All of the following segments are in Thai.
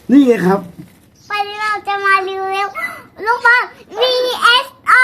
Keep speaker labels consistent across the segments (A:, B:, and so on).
A: นี่ไงครับ
B: วันนี้เราจะมารีวิวลูกบอล VSO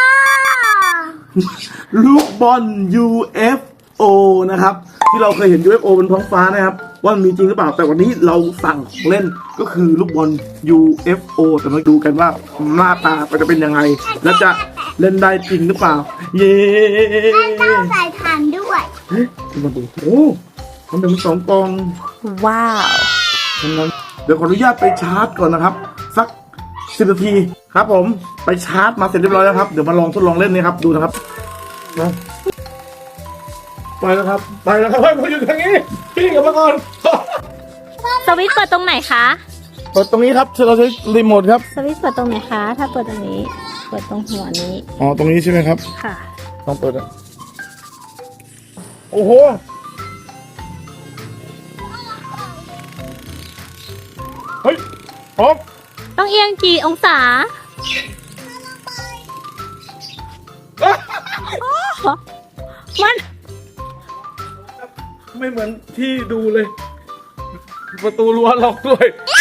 A: ลูกบอล UFO นะครับที่เราเคยเห็น UFO บนท้องฟ้านะครับว่ามันมีจริงหรือเปล่าแต่วันนี้เราสั่งของเล่นก็คือลูกบอล UFO แต่มาดูกันว่าหน้าตามันจะเป็นยังไงและจะเล่นได้จริงหรือเปล่าเย้
B: เจ้าใส่ถ่านด้วย
A: เฮ้ยมาดูโอ้มันเป็น2 กล่อง
C: ว้าว
A: งั้นเดี๋ยวขออนุญาตไปชาร์จก่อนนะครับสัก10 นาทีครับผมไปชาร์จมาเสร็จเรียบร้อยแล้วครับเดี๋ยวมาลองทดลองเล่นนี่ครับดูนะครับนะไปแล้วครับไปแล้วครับไปอยู่ทางนี้พี่กลับมาก่อน
C: สวิตช์เปิดตรงไหนคะ
A: เปิดตรงนี้ครับเราใช้รีโมทครับ
C: สวิตช์เปิดตรงไหนคะ ถ้าเปิดตรงนี้ เปิดตรงหัวนี้
A: อ๋อตรงนี้ใช่ไหมครับ
C: ค่ะ
A: ต้องเปิดอ่ะโอ้โหเฮ้ยพร้อม
C: ต้องเอียงกี่องศา มัน
A: ไม่เหมือนที่ดูเลย ประตูรั้วล็อกด้วย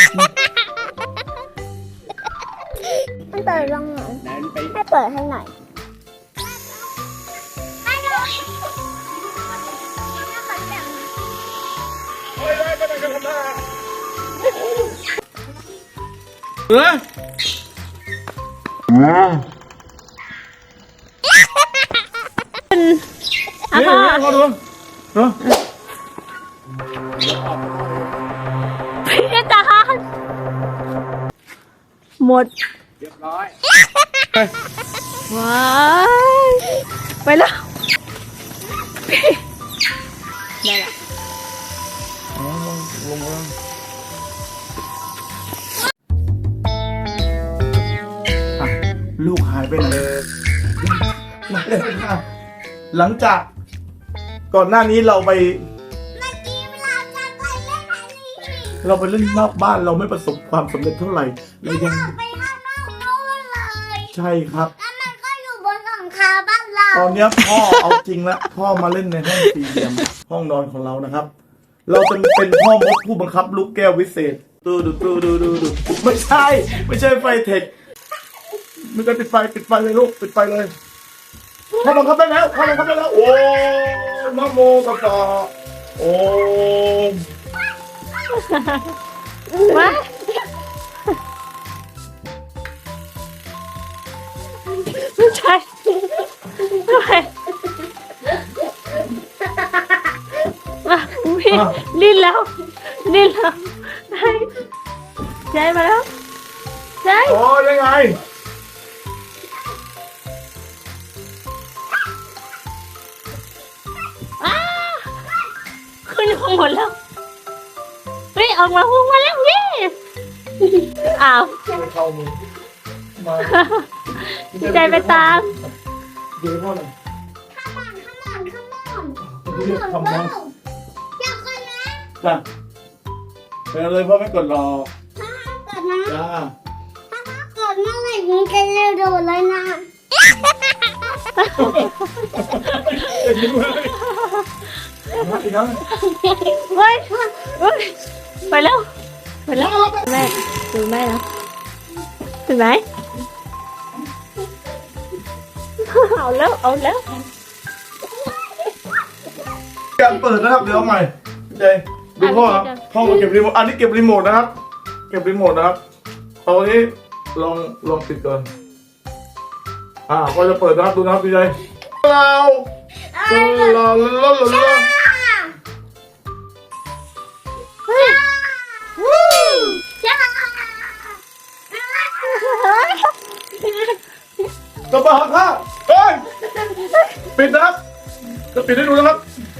B: ไม่เปิดลงหน่อยให้เปิดให้หน่อยไม่เลย
A: เฮ้ย
C: อ่ะ
A: นี่
C: พ่อ
A: พอดูเนาะ
C: พี่อาจารย์หมด
A: เรียบร้อย
C: ว้ายไปแล้วพี่ได้ละ
A: ลงมาลูกหายไปไหนมาเลยค่ะหลังจากก่อนหน้านี้เราไป
B: เมื่อกี้เวลาจะไปเล่นอันนี้
A: เราไปเล่นนอกบ้านเราไม่ประสบความสำเร็จเท่าไหร่เรายัง
B: ไปข้างนอกนู้นเลย
A: ใช่ครับ
B: แล้วมันก็อยู่บนหลังคาบ้านเรา
A: ตอนเนี้ยพ่อเอาจริงแล้วพ่อมาเล่นในห้องสี่เหลี่ยมห้องนอนของเรานะครับ เราจะเป็นพ่อมดผู้บังคับลูกแก้ววิเศษดูไม่ใช่ไฟเทคมันจะปิดไฟเลยลูกปิดไฟเลยพ่อบังคับได้แล้วโอ้นะโมตัสสะโอ้
C: ว้าไม่ใช่ทำไมมาพี่ลิ้นแล้วได้ใจมาแล้วใจ
A: โอ้ยังไง
C: อ้าขึ้นข้างบนแล้วเฮ้ยออกมาพุ่งมาแล้วพี่อ้าว
A: เข้ามือมา
C: ใจไปตาม
A: เดี๋ยวพ่อหน่อย
B: ข้ามอนข้ามอน
A: เรียกคำว่า
B: อยากกันนะ
A: จ้ะไปเลยพ่อไม่กดรอ
B: ถ้าเกิดนะ
A: จ้า
B: ถ้าเกิดเมื่อไหร่มึงจะเร็วโดดเลยนะ
A: จะยิ้มเลยมาอีกครั้ง
C: เฮ้ยไปแล้วแม่ดูแม่นะถึงไหมเอาแล้ว
A: การเปิดนะครับเดี๋ยวเอาใหม่เจดูพ่อครับพ่อมาเก็บรีโมทอันนี้เก็บรีโมทนะครับ เก็บรีโมทนะครับเอาอันนี้ลองปิดก่อนก็จะเปิดนะครับดูนะครับพี่ใจเรากระบะค่ะเฮ้ยปิดนะครับจะปิดให้ดูนะครับ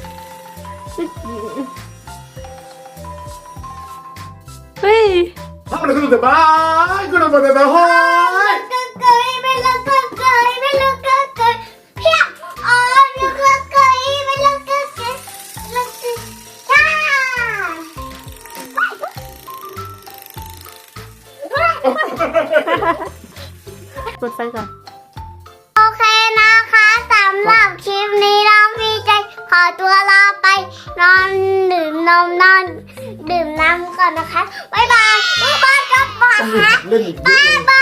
C: เฮ้ย
A: ทำอะไรกันอยู่แต่บ้านก็โดนแต่ห้อย
B: เกยไม่เลิกเกยไม่เลิกเกยเพี้ยอ๋อเลิกเกยไม่เลิกเกยเลิกเกยจ้า
C: เปิดไฟก่อน
B: โอเคนะคะสำหรับคลิปนี้น้องพี่ใจขอตัวลาไปนอนดื่มนมนอนดื่มน้ำก่อนนะคะบ๊ายบายบ๊ายบายกลับมาค่ะ
A: เล่นอีกเย
B: บ๊า
A: อะ
B: ย
A: เลย
B: บาย